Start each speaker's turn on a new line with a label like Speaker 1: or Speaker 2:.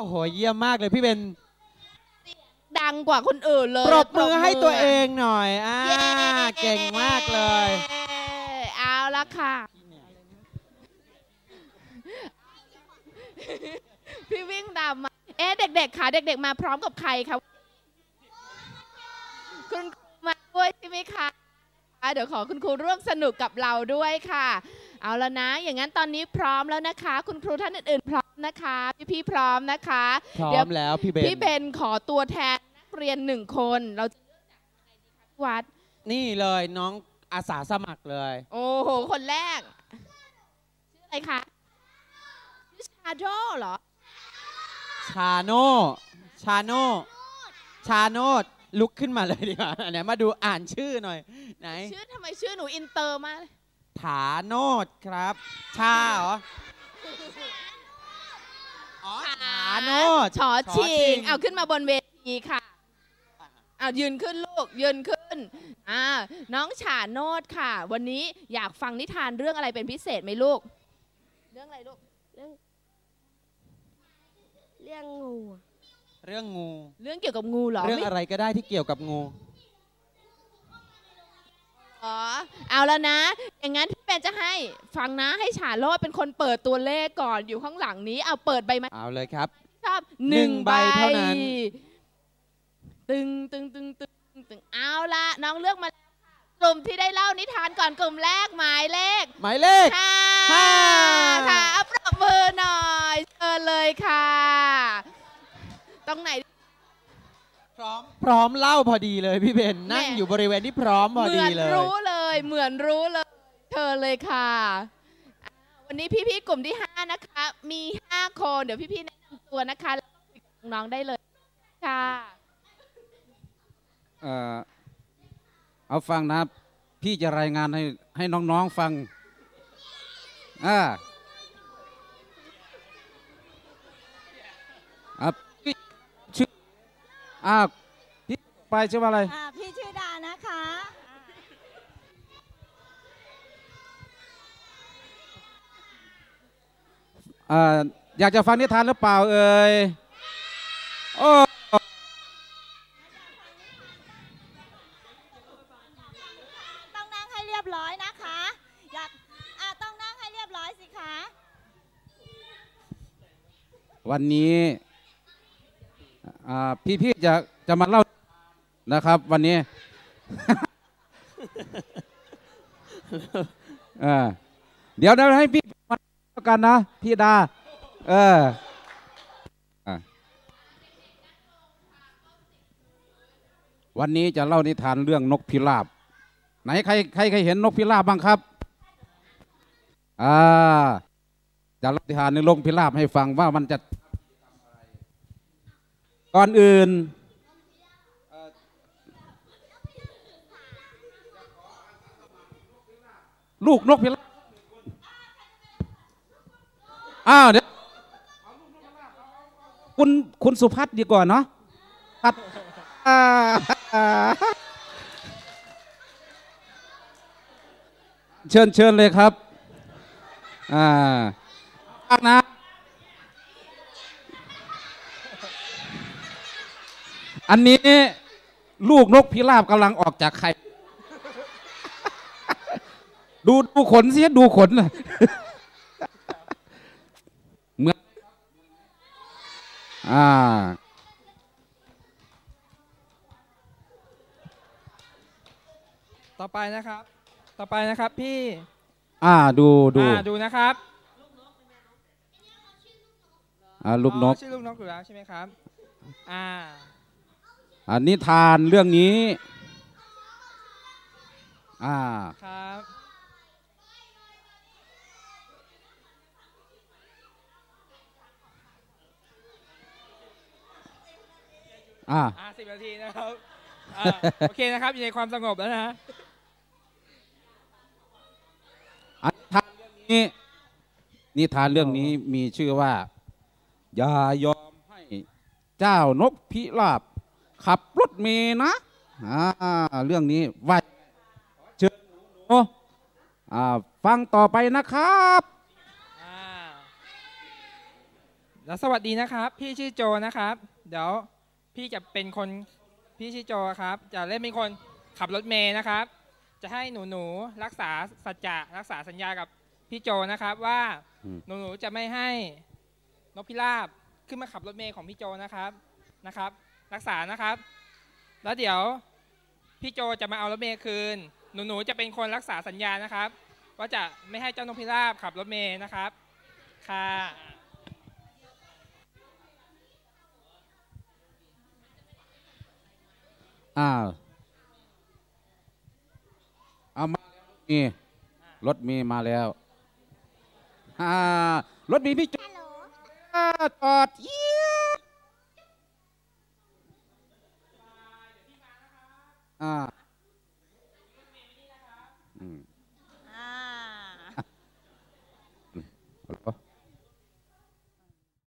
Speaker 1: โหเยี่ยมมากเลยพี่เบน
Speaker 2: ดังกว่าคนอื่นเลย
Speaker 1: ปรบมือให้ตัวเองหน่อยเก่งมากเลย
Speaker 2: เอาละค่ะพี่วิ่งตามมาเด็กๆค่ะเด็กๆมาพร้อมกับใครคะคุณครูมาด้วยใช่ไหมคะเดี๋ยวขอคุณครูร่วมสนุกกับเราด้วยค่ะเอาแล้วนะอย่างนั้นตอนนี้พร้อมแล้วนะคะคุณครูท่านอื่นๆพร้อมนะคะพี่ๆพร้อมนะคะ
Speaker 1: พร้อมแล้วพี่เบน
Speaker 2: ขอตัวแทนนักเรียน1 คนเราจะเลือกจากใครดีคะพี่วัด
Speaker 1: นี่เลยน้องอาสาสมัครเลย
Speaker 2: โอ้โหคนแรกชื่ออะไรคะชื่อชาโดเหรอ
Speaker 1: ชาโนดลุกขึ้นมาเลยดีกว่าไหนมาดูอ่านชื่อหน่อยไหน
Speaker 2: ชื่อทำไมชื่อหนูอินเตอร์มาก
Speaker 1: ฐาโนดครับชาเหรอฐาโนด
Speaker 2: ชอชิงเอาขึ้นมาบนเวทีค่ะเอายืนขึ้นลูกยืนขึ้นน้องฉาโนดค่ะวันนี้อยากฟังนิทานเรื่องอะไรเป็นพิเศษไหมลูกเรื่องอะไรลูก
Speaker 3: เรื่องงู
Speaker 1: เรื่อง
Speaker 2: เกี่ยวกับงูเหรอ
Speaker 1: เรื่องอะไรก็ได้ที่เกี่ยวกับงู
Speaker 2: เอาแล้วนะอย่างนั้นพี่เป็นจะให้ฟังนะให้ฉาโรดเป็นคนเปิดตัวเลขก่อนอยู่ข้างหลังนี้เอาเปิดใบมา
Speaker 1: เอาเลยครับ
Speaker 2: ชอบ1 ใบเท่านั้นตึงเอาละน้องเลือกมากลุ่มที่ได้เล่านิทานก่อนกลุ่มแรกหมายเลข5ค่ะปรบมือหน่อยเชิญเลยค่ะตรงไหน
Speaker 1: พร้อมเล่าพอดีเลยพี่เบนนั่งอยู่บริเวณที่พร้อมพอดีเลย
Speaker 2: เหมือนรู้เลยเชิญเลยค่ะวันนี้พี่ๆกลุ่มที่5นะคะมี5 คนเดี๋ยวพี่ๆแนะนำตัวนะคะแล้วคุยกับน้องได้เลยค่ะ
Speaker 4: เอาฟังนะพี่จะรายงานให้น้องๆฟังพี่ชื่อพี่ไปชื่อว่าอะไร
Speaker 3: พี่ชื่อดานะคะ
Speaker 4: อยากจะฟังนิทานหรือเปล่าเอ่ยโอ้
Speaker 3: ต้องนั่งให้เรียบร้อยนะคะต้องนั่งให้เรียบร้อยสิคะ
Speaker 4: วันนี้พี่จะมาเล่านะครับวันนี้ เดี๋ยวให้พี่มากันนะพี่ดาวันนี้จะเล่านิทานเรื่องนกพิราบไหนใครเห็นนกพิราบบ้างครับจะเล่านิทานในนกพิราบให้ฟังว่ามันจะก่อนอื่นลูกนกพิราบเดี๋ยวคุณสุพัฒน์ดีกว่าเนาะเชิญเลยครับนะอันนี้ลูกนกพิราบกำลังออกจากไข่ดูขนสิดูขนเหมือน
Speaker 5: ต่อไปนะครับพี่
Speaker 4: ดู
Speaker 5: นะครับ
Speaker 4: ลูกนก
Speaker 5: ชื่อลูกนกอยู่แล้วใช่ไหมครับ
Speaker 4: นิทานเรื่องนี้
Speaker 5: ครับ10 นาทีนะครับโอเคนะครับอยู่ในความสงบแล้วนะ
Speaker 4: นิทานเรื่องนี้มีชื่อว่าอย่ายอมให้เจ้านกพิราบขับรถเมล์นะเรื่องนี้ว่าเชิญหนูฟังต่อไปนะครับ
Speaker 5: แล้วสวัสดีนะครับพี่ชื่อโจนะครับเดี๋ยวพี่จะเป็นคนพี่ชื่อโจครับจะเล่นเป็นคนขับรถเมย์นะครับจะให้หนูรักษาสัจจะรักษาสัญญากับพี่โจนะครับว่าหนูจะไม่ให้นกพิราบขึ้นมาขับรถเมย์ของพี่โจนะครับรักษานะครับแล้วเดี๋ยวพี่โจจะมาเอารถเมย์คืนหนูจะเป็นคนรักษาสัญญานะครับว่าจะไม่ให้เจ้านกพิราบขับรถเมย์นะครับค่ะ
Speaker 4: อ้าวเอามารถมีมาแล้วรถมีพี่โจจอด